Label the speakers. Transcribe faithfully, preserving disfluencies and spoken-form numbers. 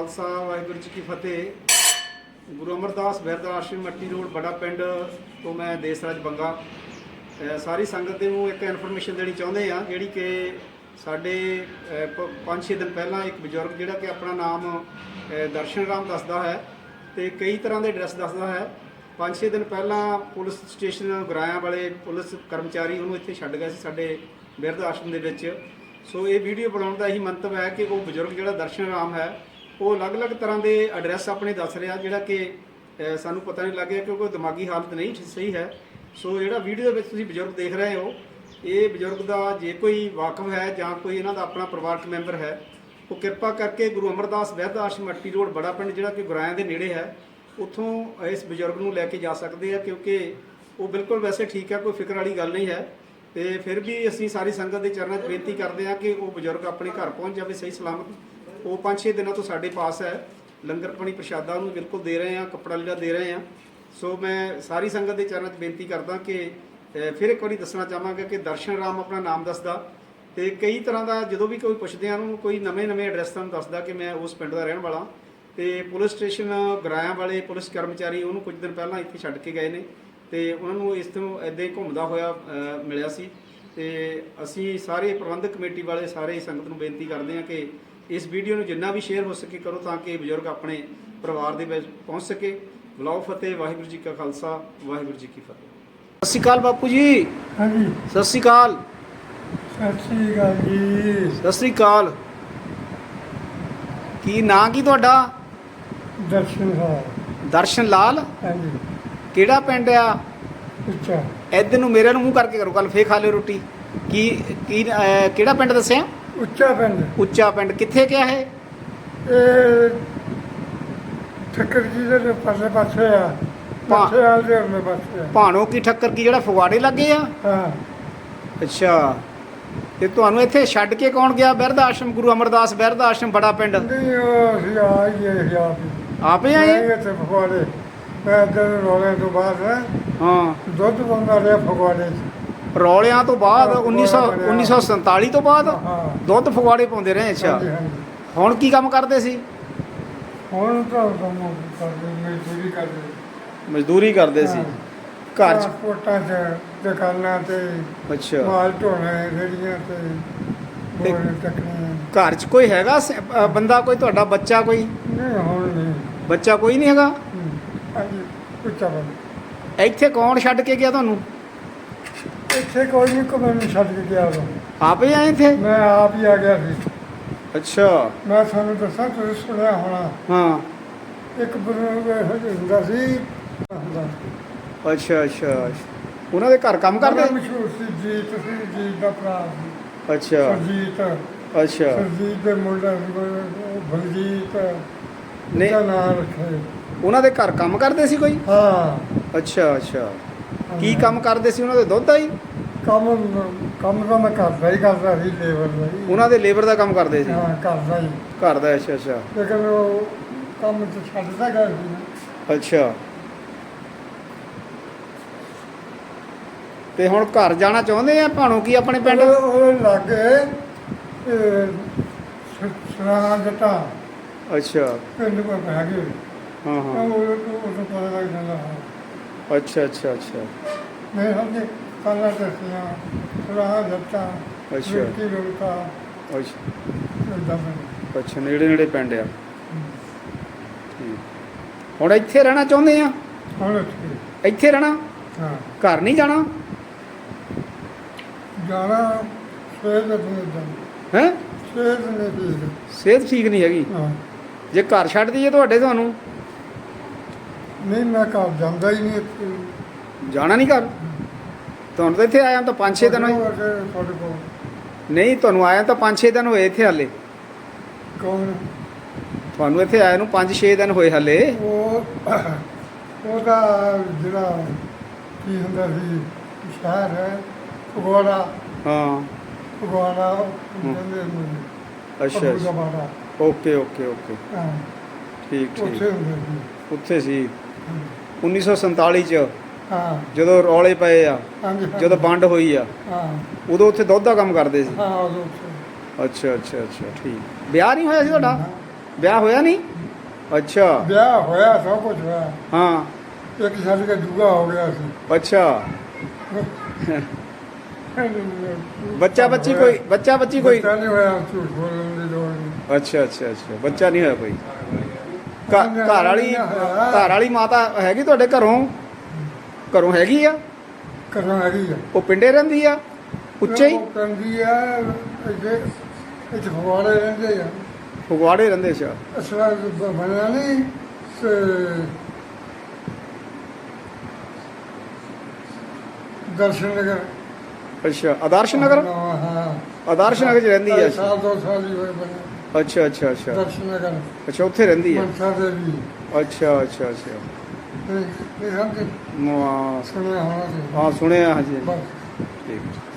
Speaker 1: खालसा वाहिगुरू जी की फतेह। गुरु अमरदास बहरदा आश्रम मट्टी रोड बड़ा पिंड तो मैं देसराज बंगा सारी संगत ਨੂੰ ਇੱਕ ਇਨਫੋਰਮੇਸ਼ਨ ਦੇਣੀ ਚਾਹੁੰਦੇ ਆ ਜਿਹੜੀ ਕਿ ਸਾਡੇ ਪੰਜ ਛੇ ਦਿਨ ਪਹਿਲਾਂ ਇੱਕ ਬਜ਼ੁਰਗ ਜਿਹੜਾ ਕਿ ਆਪਣਾ ਨਾਮ ਦਰਸ਼ਨ ਰਾਮ ਦੱਸਦਾ ਹੈ ਤੇ ਕਈ ਤਰ੍ਹਾਂ ਦੇ ਐਡਰੈਸ ਦੱਸਦਾ ਹੈ। ਪੰਜ ਛੇ ਦਿਨ ਪਹਿਲਾਂ ਪੁਲਿਸ ਸਟੇਸ਼ਨ ਗੁਰਾਇਆਂ ਵਾਲੇ ਪੁਲਿਸ ਕਰਮਚਾਰੀ ਉਹਨੂੰ ਇੱਥੇ ਛੱਡ ਗਏ ਸੀ ਸਾਡੇ ਬਿਰਧ ਆਸ਼ਰਮ ਦੇ ਵਿੱਚ। ਸੋ ਇਹ ਵੀਡੀਓ ਬਣਾਉਣ ਦਾ ਇਹੀ ਮੰਤਵ ਹੈ ਕਿ ਉਹ ਬਜ਼ੁਰਗ ਜਿਹੜਾ ਦਰਸ਼ਨ ਰਾਮ ਹੈ ਉਹ ਅਲੱਗ-ਅਲੱਗ ਤਰ੍ਹਾਂ ਦੇ ਐਡਰੈਸ ਆਪਣੇ ਦੱਸ ਰਿਹਾ ਜਿਹੜਾ ਕਿ ਸਾਨੂੰ ਪਤਾ ਨਹੀਂ ਲੱਗਿਆ ਕਿਉਂਕਿ ਉਹ ਦਿਮਾਗੀ ਹਾਲਤ ਨਹੀਂ ਸਹੀ ਹੈ। ਸੋ ਜਿਹੜਾ ਵੀਡੀਓ ਦੇ ਵਿੱਚ ਤੁਸੀਂ ਬਜ਼ੁਰਗ ਦੇਖ ਰਹੇ ਹੋ ਇਹ ਬਜ਼ੁਰਗ ਦਾ ਜੇ ਕੋਈ ਵਾਕਫ ਹੈ ਜਾਂ ਕੋਈ ਇਹਨਾਂ ਦਾ ਆਪਣਾ ਪਰਿਵਾਰਕ ਮੈਂਬਰ ਹੈ ਉਹ ਕਿਰਪਾ ਕਰਕੇ ਗੁਰੂ ਅਮਰਦਾਸ ਬਹਿਦ ਆਸ਼ਰਮ ਮੱਟੀ ਰੋਡ ਬੜਾ ਪਿੰਡ ਜਿਹੜਾ ਕਿ ਗੁਰਾਇਆਂ ਦੇ ਨੇੜੇ ਹੈ ਉੱਥੋਂ ਇਸ ਬਜ਼ੁਰਗ ਨੂੰ ਲੈ ਕੇ ਜਾ ਸਕਦੇ ਆ ਕਿਉਂਕਿ ਉਹ ਬਿਲਕੁਲ ਵੈਸੇ ਠੀਕ ਹੈ, ਕੋਈ ਫਿਕਰ ਵਾਲੀ ਗੱਲ ਨਹੀਂ ਹੈ। ਤੇ ਫਿਰ ਵੀ ਅਸੀਂ ਸਾਰੀ ਸੰਗਤ ਦੇ ਚਰਨਾਂ 'ਚ ਬੇਨਤੀ ਕਰਦੇ ਹਾਂ ਕਿ ਉਹ ਬਜ਼ੁਰਗ ਆਪਣੇ ਘਰ ਪਹੁੰਚ ਜਾਵੇ ਸਹੀ ਸਲਾਮਤ। ਉਹ ਪੰਜ ਛੇ ਦਿਨਾਂ ਤੋਂ ਸਾਡੇ ਪਾਸ ਹੈ, ਲੰਗਰ ਪਾਣੀ ਪ੍ਰਸ਼ਾਦਾ ਉਹਨੂੰ ਬਿਲਕੁਲ ਦੇ ਰਹੇ ਹਾਂ, ਕੱਪੜਾ ਲੀੜਾ ਦੇ ਰਹੇ ਹਾਂ। ਸੋ ਮੈਂ ਸਾਰੀ ਸੰਗਤ ਦੇ ਚਰਨਾਂ 'ਚ ਬੇਨਤੀ ਕਰਦਾ ਕਿ ਫਿਰ ਇੱਕ ਵਾਰੀ ਦੱਸਣਾ ਚਾਹਾਂਗਾ ਕਿ ਦਰਸ਼ਨ ਰਾਮ ਆਪਣਾ ਨਾਮ ਦੱਸਦਾ ਤੇ ਕਈ ਤਰ੍ਹਾਂ ਦਾ ਜਦੋਂ ਵੀ ਕੋਈ ਪੁੱਛਦੇ ਆ ਉਹਨੂੰ ਕੋਈ ਨਵੇਂ ਨਵੇਂ ਐਡਰੈਸ ਤੁਹਾਨੂੰ ਦੱਸਦਾ ਕਿ ਮੈਂ ਉਸ ਪਿੰਡ ਦਾ ਰਹਿਣ ਵਾਲਾ। ਤੇ ਪੁਲਿਸ ਸਟੇਸ਼ਨ ਗੁਰਾਇਆਂ ਵਾਲੇ ਪੁਲਿਸ ਕਰਮਚਾਰੀ ਉਹਨੂੰ ਕੁਝ ਦਿਨ ਪਹਿਲਾਂ ਇੱਥੇ ਛੱਡ ਕੇ ਗਏ ਨੇ ਤੇ ਉਹਨਾਂ ਨੂੰ ਇਸ ਤੋਂ ਇੱਦਾਂ ਹੀ ਘੁੰਮਦਾ ਹੋਇਆ ਮਿਲਿਆ ਸੀ। ਤੇ ਅਸੀਂ ਸਾਰੇ ਪ੍ਰਬੰਧਕ ਕਮੇਟੀ ਵਾਲੇ ਸਾਰੇ ਸੰਗਤ ਨੂੰ ਬੇਨਤੀ ਕਰਦੇ ਹਾਂ ਕਿ ਇਸ ਵੀਡੀਓ ਨੂੰ ਜਿੰਨਾ ਵੀ ਸ਼ੇਅਰ ਹੋ ਸਕੇ ਕਰੋ ਤਾਂ ਕਿ ਬਜ਼ੁਰਗ ਆਪਣੇ ਪਰਿਵਾਰ ਦੇ ਵਿੱਚ ਪਹੁੰਚ ਸਕੇ। ਬੁਲਾਓ ਫਤਿਹ। ਵਾਹਿਗੁਰੂ ਜੀ ਕਾ ਖਾਲਸਾ ਵਾਹਿਗੁਰੂ ਜੀ ਕੀ ਫਤਿਹ। ਸਤਿ ਸ਼੍ਰੀ ਅਕਾਲ ਬਾਪੂ ਜੀ।
Speaker 2: ਹਾਂਜੀ
Speaker 1: ਸਤਿ ਸ਼੍ਰੀ ਅਕਾਲ।
Speaker 2: ਸਤਿ ਸ਼੍ਰੀ ਅਕਾਲ ਜੀ।
Speaker 1: ਸਤਿ ਸ਼੍ਰੀ ਅਕਾਲ। ਕੀ ਨਾਂ ਕੀ ਤੁਹਾਡਾ?
Speaker 2: ਦਰਸ਼ਨ ਲਾਲ।
Speaker 1: ਦਰਸ਼ਨ ਲਾਲ।
Speaker 2: ਹਾਂਜੀ।
Speaker 1: ਕਿਹੜਾ ਪਿੰਡ ਆ?
Speaker 2: ਅੱਛਾ
Speaker 1: ਇੱਧਰ ਨੂੰ ਮੇਰੇ ਨੂੰ ਮੂੰਹ ਕਰਕੇ ਕਰੋ ਕੱਲ ਫੇਰ ਖਾ ਲਿਓ ਰੋਟੀ। ਕੀ ਕੀ ਕਿਹੜਾ ਪਿੰਡ ਦੱਸਿਆ?
Speaker 2: ਉੱਚਾ ਪਿੰਡ।
Speaker 1: ਉੱਚਾ ਪਿੰਡ ਕਿੱਥੇ ਗਿਆ ਹੈ?
Speaker 2: ਇਹ ਠੱਕਰ ਜੀ ਦੇ ਪਾਸੇ ਪਾਸੇ ਆ ਪਾਸੇ ਆ ਦੇ ਉਹਨੇ ਪਾਸੇ ਆ
Speaker 1: ਭਾਣੋ ਕੀ ਠੱਕਰ ਕੀ ਜਿਹੜਾ ਫਗਵਾੜੇ ਲੱਗੇ ਆ?
Speaker 2: ਹਾਂ।
Speaker 1: ਅੱਛਾ ਤੇ ਤੁਹਾਨੂੰ ਇੱਥੇ ਛੱਡ ਕੇ ਕੌਣ ਗਿਆ? ਬਿਰਧ ਆਸ਼ਰਮ ਗੁਰੂ ਅਮਰਦਾਸ ਬਿਰਧ ਆਸ਼ਰਮ ਬੜਾ ਪਿੰਡ।
Speaker 2: ਨਹੀਂ ਉਹ ਅਸੀਂ ਆ ਹੀ ਗਏ ਆਪ ਹੀ।
Speaker 1: ਆਪੇ ਆਏ?
Speaker 2: ਮੈਂ ਇੱਥੇ ਫਗਵਾੜੇ ਮੈਂ ਇੱਧਰ ਰੋਲੇ ਤੋਂ ਬਾਅਦ
Speaker 1: ਹਾਂ
Speaker 2: ਦੁੱਧ ਪਾਉਂਦਾ ਰਿਹਾ ਫਗਵਾੜੇ 'ਚ।
Speaker 1: ਰੌਲਿਆਂ ਤੋਂ ਬਾਅਦ ਉੱਨੀ ਸੌ ਉੱਨੀ ਸੌ ਸੰਤਾਲੀ ਤੋਂ ਬਾਅਦ
Speaker 2: ਹਾਂ
Speaker 1: ਦੁੱਧ ਫਗਵਾੜੇ ਪਾਉਂਦੇ ਰਹੇ। ਅੱਛਾ
Speaker 2: ਹਾਂਜੀ ਹਾਂਜੀ।
Speaker 1: ਹੁਣ ਕੀ ਕੰਮ ਕਰਦੇ ਸੀ?
Speaker 2: ਹੁਣ ਤਾਂ ਕੰਮ ਕਰਦੇ ਮਜ਼ਦੂਰੀ ਕਰਦੇ।
Speaker 1: ਮਜ਼ਦੂਰੀ ਕਰਦੇ ਸੀ ਘਰ 'ਚ?
Speaker 2: ਕੋਟਾਂ 'ਚ ਦੁਕਾਨਾਂ ਤੇ
Speaker 1: ਅੱਛਾ
Speaker 2: ਮਾਲ ਢੋਣੇ ਰੇੜੀਆਂ ਤੇ
Speaker 1: ਤੇ
Speaker 2: ਬੋਰੇ ਚੱਕਣੇ।
Speaker 1: ਘਰ 'ਚ ਕੋਈ ਹੈਗਾ ਸ- ਅ, ਬੰਦਾ ਕੋਈ ਤੁਹਾਡਾ ਬੱਚਾ ਕੋਈ?
Speaker 2: ਨਹੀਂ ਹੁਣ ਨਹੀਂ।
Speaker 1: ਬੱਚਾ ਕੋਈ ਨਹੀਂ ਹੈਗਾ?
Speaker 2: ਹੂੰ। ਹਾਂਜੀ ਉੱਚਾ ਬੰਦ।
Speaker 1: ਇੱਥੇ ਕੌਣ ਛੱਡ ਕੇ ਗਿਆ ਤੁਹਾਨੂੰ?
Speaker 2: ਇੱਥੇ ਕੋਈ ਨਹੀਂ ਕੋਈ ਮੈਨੂੰ ਛੱਡ ਕੇ ਗਿਆ ਉਦੋਂ।
Speaker 1: ਆਪੇ ਆਏ ਇੱਥੇ?
Speaker 2: ਮੈਂ ਆਪ ਹੀ ਆ ਗਿਆ ਸੀ।
Speaker 1: ਅੱਛਾ
Speaker 2: ਮੈਂ ਤੁਹਾਨੂੰ ਦੱਸਾਂ ਤੁਸੀਂ ਸੁਣਿਆ ਹੋਣਾ
Speaker 1: ਹਾਂ।
Speaker 2: ਇੱਕ ਬਜ਼ੁਰਗ ਇਹੋ ਜਿਹਾ ਹੁੰਦਾ ਸੀ ਹੁੰਦਾ।
Speaker 1: ਅੱਛਾ ਅੱਛਾ ਉਹਨਾਂ ਦੇ ਘਰ ਕੰਮ ਕਰਦੇ?
Speaker 2: ਬੜਾ ਮਸ਼ਹੂਰ ਸੀ ਜੀਤ ਸੀ ਜੀਤ ਦਾ ਭਰਾ ਸੀ।
Speaker 1: ਅੱਛਾ
Speaker 2: ਸਰਜੀਤ
Speaker 1: ਅੱਛਾ
Speaker 2: ਸਰਜੀਤ ਦੇ ਮੁੰਡਾ ਸੀ ਕੋਈ ਬਲਜੀਤ
Speaker 1: ਨਹੀਂ
Speaker 2: ਦਾ ਨਾਮ ਰੱਖਿਆ।
Speaker 1: ਉਹਨਾਂ ਦੇ ਘਰ ਕੰਮ ਕਰਦੇ ਸੀ ਕੋਈ?
Speaker 2: ਹਾਂ।
Speaker 1: ਅੱਛਾ ਅੱਛਾ ਕੀ ਕੰਮ ਕਰਦੇ ਸੀ ਉਹਨਾਂ ਦੇ? ਦੁੱਧ ਦਾ ਹੀ
Speaker 2: ਕੰਮ ਕੰਮ ਤਾਂ ਮੈਂ ਕਰਦਾ ਹੀ ਕਰਦਾ ਸੀ ਲੇਬਰ ਦਾ ਹੀ।
Speaker 1: ਉਹਨਾਂ ਦੇ ਲੇਬਰ ਦਾ ਕੰਮ ਕਰਦੇ ਸੀ?
Speaker 2: ਹਾਂ ਕਰਦਾ ਹੀ।
Speaker 1: ਘਰ ਦਾ? ਅੱਛਾ ਅੱਛਾ
Speaker 2: ਲੇਕਿਨ ਉਹ ਕੰਮ ਤੇ ਛੱਡਦਾ ਗਿਆ ਸੀ ਨਾ।
Speaker 1: ਅੱਛਾ ਤੇ ਹੁਣ ਘਰ ਜਾਣਾ ਚਾਹੁੰਦੇ ਆ ਭਾਣੋ ਕੀ ਆਪਣੇ ਪਿੰਡ?
Speaker 2: ਉਹ ਉਹ ਲਾਗੇ ਸਰਾਣਾ ਜੱਟਾ
Speaker 1: ਅੱਛਾ
Speaker 2: ਪਿੰਡ ਕੋਲ ਪੈ ਗਏ।
Speaker 1: ਹਾਂ ਹਾਂ
Speaker 2: ਉਹ ਉਹ ਤੋਂ ਪਤਾ ਲੱਗ ਜਾਂਦਾ ਹਾਂ।
Speaker 1: ਅੱਛਾ ਅੱਛਾ ਅੱਛਾ
Speaker 2: ਮੈਂ ਸਮਝੇ ਕਾਲਾ ਦੱਸਿਆ ਸਰਾਣਾ ਜੱਟਾ
Speaker 1: ਅੱਛਾ
Speaker 2: ਰੋਟੀ ਰੋਟਾ
Speaker 1: ਅੱਛਾ
Speaker 2: ਇਦਾਂ ਮੈਂ।
Speaker 1: ਅੱਛਾ ਨੇੜੇ ਨੇੜੇ ਪਿੰਡ ਆ। ਠੀਕ ਹੁਣ ਇੱਥੇ ਰਹਿਣਾ ਚਾਹੁੰਦੇ ਆ?
Speaker 2: ਹੁਣ ਇੱਥੇ
Speaker 1: ਇੱਥੇ ਰਹਿਣਾ?
Speaker 2: ਹਾਂ।
Speaker 1: ਘਰ ਨਹੀਂ ਜਾਣਾ?
Speaker 2: ਜਾਣਾ ਸਵੇਰ ਦੇ ਦਿਨ
Speaker 1: ਹੈ
Speaker 2: ਸਵੇਰ ਦੇ ਦਿਨ।
Speaker 1: ਸਿਹਤ ਠੀਕ ਨਹੀਂ ਹੈਗੀ?
Speaker 2: ਹਾਂ।
Speaker 1: ਜੇ ਘਰ ਛੱਡ ਦਈਏ ਤੁਹਾਡੇ ਤੁਹਾਨੂੰ?
Speaker 2: ਨਹੀਂ ਮੈਂ ਘਰ ਜਾਂਦਾ ਹੀ ਨਹੀਂ ਇੱਥੇ।
Speaker 1: ਜਾਣਾ ਨਹੀਂ ਘਰ? ਤੁਹਾਨੂੰ ਤਾਂ ਇੱਥੇ ਆਇਆ ਤਾਂ ਪੰਜ ਛੇ ਦਿਨ ਹੋਏ।
Speaker 2: ਤੁਹਾਡੇ ਕੋਲ
Speaker 1: ਨਹੀਂ ਤੁਹਾਨੂੰ ਆਇਆ ਤਾਂ ਪੰਜ ਛੇ ਦਿਨ ਹੋਏ ਇੱਥੇ ਹਾਲੇ।
Speaker 2: ਕੌਣ?
Speaker 1: ਤੁਹਾਨੂੰ ਇੱਥੇ ਆਇਆ ਨੂੰ ਪੰਜ ਛੇ ਦਿਨ ਹੋਏ ਹਾਲੇ।
Speaker 2: ਉਹ ਉਹਦਾ ਜਿਹੜਾ ਕੀ ਹੁੰਦਾ ਸੀ ਸ਼ਹਿਰ ਹੈ ਫਗਵਾੜਾ।
Speaker 1: ਹਾਂ
Speaker 2: ਫਗਵਾੜਾ ਕਹਿੰਦੇ ਨੇ।
Speaker 1: ਅੱਛਾ
Speaker 2: ਅੱਛਾ।
Speaker 1: ਅੱਛਾ ਓਕੇ ਓਕੇ ਓਕੇ
Speaker 2: ਹਾਂ
Speaker 1: ਠੀਕ ਠੀਕ
Speaker 2: ਉੱਥੇ ਹੁੰਦੇ ਸੀ।
Speaker 1: ਉੱਥੇ ਸੀ ਉੱਨੀ ਸੌ ਸੰਤਾਲੀ 'ਚ
Speaker 2: ਹਾਂ
Speaker 1: ਜਦੋਂ ਰੌਲੇ ਪਏ ਆ
Speaker 2: ਹਾਂਜੀ
Speaker 1: ਜਦੋਂ ਵੰਡ ਹੋਈ ਆ
Speaker 2: ਹਾਂ
Speaker 1: ਉਦੋਂ ਉੱਥੇ ਦੁੱਧ ਦਾ ਕੰਮ ਕਰਦੇ ਸੀ?
Speaker 2: ਹਾਂ ਉਦੋਂ ਉੱਥੇ।
Speaker 1: ਅੱਛਾ ਅੱਛਾ ਅੱਛਾ ਠੀਕ। ਵਿਆਹ ਨਹੀਂ ਹੋਇਆ ਸੀ ਤੁਹਾਡਾ? ਵਿਆਹ ਹੋਇਆ ਨਹੀਂ? ਅੱਛਾ
Speaker 2: ਵਿਆਹ ਹੋਇਆ ਸਭ ਕੁਝ ਹੋਇਆ।
Speaker 1: ਹਾਂ
Speaker 2: ਇੱਕ ਛੱਡ ਕੇ ਦੂਆ ਹੋ ਗਿਆ ਸੀ।
Speaker 1: ਅੱਛਾ ਬੱਚਾ ਬੱਚੀ ਕੋਈ ਬੱਚਾ ਬੱਚੀ ਕੋਈ
Speaker 2: ਬੱਚਾ ਨਹੀਂ ਹੋਇਆ, ਝੂਠ ਬੋਲਣ ਦੀ ਲੋੜ ਨਹੀਂ।
Speaker 1: ਅੱਛਾ ਅੱਛਾ ਅੱਛਾ ਬੱਚਾ ਨਹੀਂ ਹੋਇਆ ਕੋਈ। ਘ- ਘਰ ਵਾਲੀ ਘਰ ਵਾਲੀ ਮਾਤਾ ਹੈਗੀ ਤੁਹਾਡੇ ਘਰੋਂ ਘਰੋਂ ਹੈਗੀ ਆ?
Speaker 2: ਕਰਨਾ ਹੈਗੀ ਆ।
Speaker 1: ਉਹ ਪਿੰਡੇ ਰਹਿੰਦੀ ਆ ਉੱਚੇ ਹੀ?
Speaker 2: ਉਹ ਕਹਿੰਦੀ ਆ ਇੱਥੇ ਇੱਥੇ ਫਗਵਾੜੇ ਰਹਿੰਦੇ ਆ।
Speaker 1: ਫਗਵਾੜੇ ਰਹਿੰਦੇ ਅੱਛਾ
Speaker 2: ਅਸਲਾ ਬਣਿਆ ਨਹੀਂ ਤੇ ਦਰਸ਼ਨ ਨਗਰ।
Speaker 1: ਅੱਛਾ ਆਦਰਸ਼ ਨਗਰ?
Speaker 2: ਹਾਂ ਹਾਂ
Speaker 1: ਆਦਰਸ਼ ਨਗਰ ਚ ਰਹਿੰਦੀ ਆ?
Speaker 2: ਸਾਲ ਦੋ ਸਾਲ ਹੀ ਹੋਏ ਬਣੇ।
Speaker 1: ਅੱਛਾ ਅੱਛਾ ਅੱਛਾ
Speaker 2: ਦਰਸ਼ਨ ਨਗਰ
Speaker 1: ਅੱਛਾ ਉੱਥੇ ਰਹਿੰਦੀ ਆ?
Speaker 2: ਮਨਸਾ ਦੇਵੀ।
Speaker 1: ਅੱਛਾ ਅੱਛਾ ਅੱਛਾ
Speaker 2: ਇਹ ਇਹ ਹਮ
Speaker 1: ਮਾ-
Speaker 2: ਸੁਣਿਆ ਹੋਣਾ ਸੀ।
Speaker 1: ਹਾਂ ਸੁਣਿਆ ਹਾਂਜੀ
Speaker 2: ਬਸ
Speaker 1: ਠੀਕ